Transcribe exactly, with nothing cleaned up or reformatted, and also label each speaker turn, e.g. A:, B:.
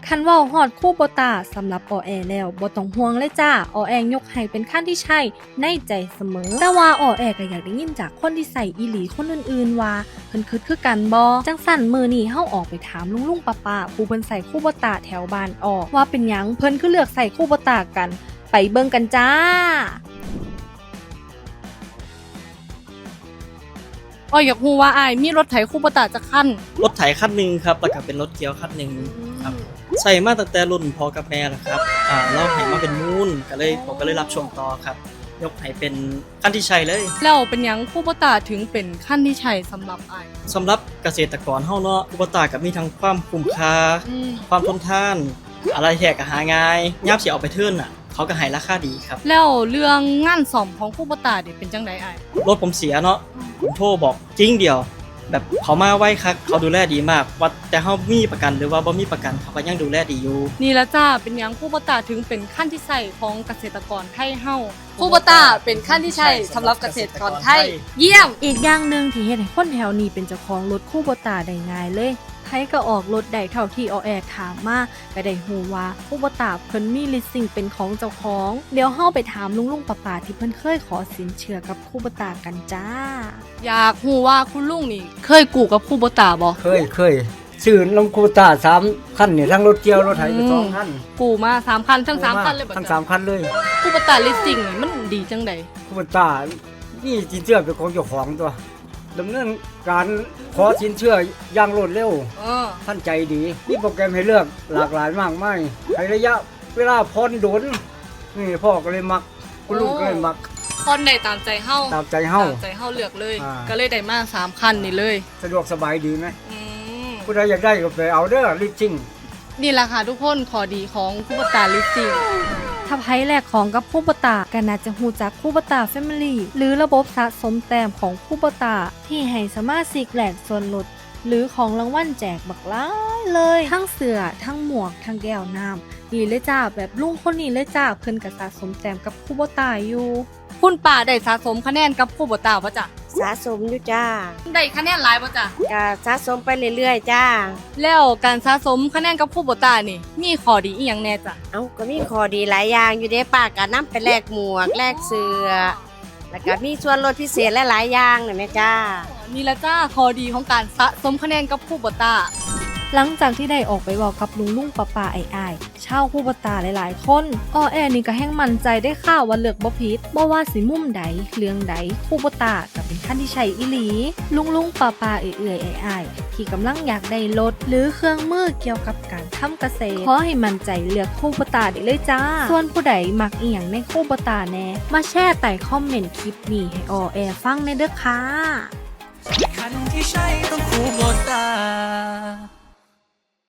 A: คันเว้าฮอดคูโบตาสำหรับออแอแล้วบ่ต้องห่วงเลยจ้าออแอยกให้เป็นขั้นที่ใช่ในใจเสมอแต่ว่าออแอก็อยากได้ยินจากคนที่ใส่อีหลีคนอื่นๆว่าเพิ่นคิดคือกันบ่จังสั่นมื้อนี้เฮาออกไปถามลุงๆป้าๆผู้เพิ่นใส่คูโบตาแถวบ้านออกว่าเป็นหยังเพิ่นคือเลือกใส่คูโบตากันไปเบิ่งกันจ้าอ้อยอยากรู้ว่าอ้ายมีรถไถคูโบตาจักคัน
B: รถไถคันหนึ่งครับแล้วก็เป็นรถเกี่ยวคันหนึ่งครับใส่มาตั้งแต่รุ่นพ่อกับแม่แล้วครับอ่าเราให้มาเป็นมูลก็เลยผมก็เลยรับช่วงต่อครับยกให้เป็นคันที่ใช้เลย
A: แล้วเป็นหยังคูโบตาถึงเป็นคันที่ใช้สำหรับอ้าย
B: สำหรับเกษตรกรเฮาเนาะคูโบตาก็มีทั้งความคุ้มค่าความทนทานอะไรแท้ก็หาง่ายยามสิเอาไปเทิร์นน่ะเขาก็ให้ราคาดีครับ
A: แล้วเรื่องงานซ่อมของคูโบตานี่เป็นจังได๋อ้าย
B: รถผมเสียเนาะผมโทรบอกจริงเดียวแบบเขามาไว้คักเขาดูแลดีมากว่าแต่เฮามีประกันหรือว่าบ่มีประกันเขาก็ยังดูแลดีอยู่
A: นี่ละจ้าเป็นหยังคูโบตาถึงเป็นขั้นที่ใช้ของเกษตรกรไทยเฮาคูโบตาเป็นขั้นที่ใช้สำหรับเกษตรกรไทยเยี่ยมอีกอย่างนึงที่เฮ็ดให้คนแถวนี้เป็นเจ้าของรถคูโบตาได้ง่ายเลยไผก็ออกรถได้เท่าที่ออแอถามมาก็ได้ฮู้ว่าคูโบตาเพิ่นมีลิสซิ่งเป็นของเจ้าของเดี๋ยวเฮาไปถามลุงๆป้าๆที่เพิ่นเคยขอสินเชื่อกับคูโบตากันจ้าอยากฮู้ว่าคุณลุงนี่เคยกู้กับคูโบตาบ่
C: เคยเคยซื้อน้ำคูโบตาสามคันเนี่ยทั้งรถเกี่ยวรถไถไปสองคัน
A: กู้มาสามคันทั้งสามคันเลยบ่
C: ทั้งสามคันเลย
A: คูโบตาลิสซิ่งนี่มันดีจังได๋
C: คูโบตานี่สินเชื่อเป็นของเจ้าของตัวดำเนินการขอสินเชื่ออย่างรวดเร็วท่านใจดีมีโปรแกรมให้เลือกหลากหลายมากมายในระยะเวลาผ่อนดุลนี่พ่อก็เลยมักคุณลุงก็เลยมัก
A: ผ่อนได้ตามใจเฮา
C: ตามใจเฮา
A: ตามใจเฮาเลือกเลยก็เลยได้มาสามคันนี่เลย
C: สะดวกสบายดีไหมผู้ใดอยากได้ก็ไปเอาเด้อลิสซิ่ง
A: นี่แหละค่ะทุกคนข้อดีของคูโบตาลิสซิ่งถ้าไผแลกของกับคูโบตาก็น่าจะฮู้จักคูโบตาแฟมิลี่หรือระบบสะสมแต้มของคูโบตาที่ให้สมาชิกแลกส่วนลดหรือของรางวัลแจกบักหลายเลยทั้งเสื้อทั้งหมวกทั้งแก้วน้ำนี่เลยจ้าแบบลุงคนนี้เลยจ้าเพิ่นก็สะสมแต้มกับคูโบตาอยู่คุณป้าได้สะสมคะแนนกับคูโบตาบ่จ๊ะ
D: สะสมอยู่จ้า
A: ได้คะแนนหลายบ่จ๊ะ
D: ก็สะสมไปเรื่อยๆจ้า
A: แล้วการสะสมคะแนนกับคูโบตานี่มีข้อดีอีหยังแน่จ้ะ
D: เอ้าก็มีข้อดีหลายอย่างอยู่เด้ป้าก็นำไปแลกหมวกแลกเสื้อแล้วก็มีส่วนลดพิเศษหลายๆอย่างน่ะแม่จ้า
A: นี่ละจ้าข้อดีของการสะสมคะแนนกับคูโบตาหลังจากที่ได้ออกไปบอกกับลุงลุงป้าป้าไอ้ไอ้ชาวคูโบตาหลายๆคนอ้อแอนี่ก็แห้งมั่นใจได้ข่าวว่าเลือกบ่ผิดบ่ว่าสิมุมใดเรื่องใดคูโบตาก็เป็นขั้นที่ใช้อีหลีลุงลุงป้าป้าเอื่อยๆไอ้ไอ้ที่กำลังอยากได้รถหรือเครื่องมือเกี่ยวกับการทำเกษตรขอให้มั่นใจเลือกคูโบตาได้เลยจ้าส่วนผู้ใดมักอีหยังในคูโบตาแน่มาแชร์ใต้คอมเมนต์คลิปนี้ให้อ้อแอฟังในเด้อค่ะ
E: คันที่ใช่ต้องคูโบตา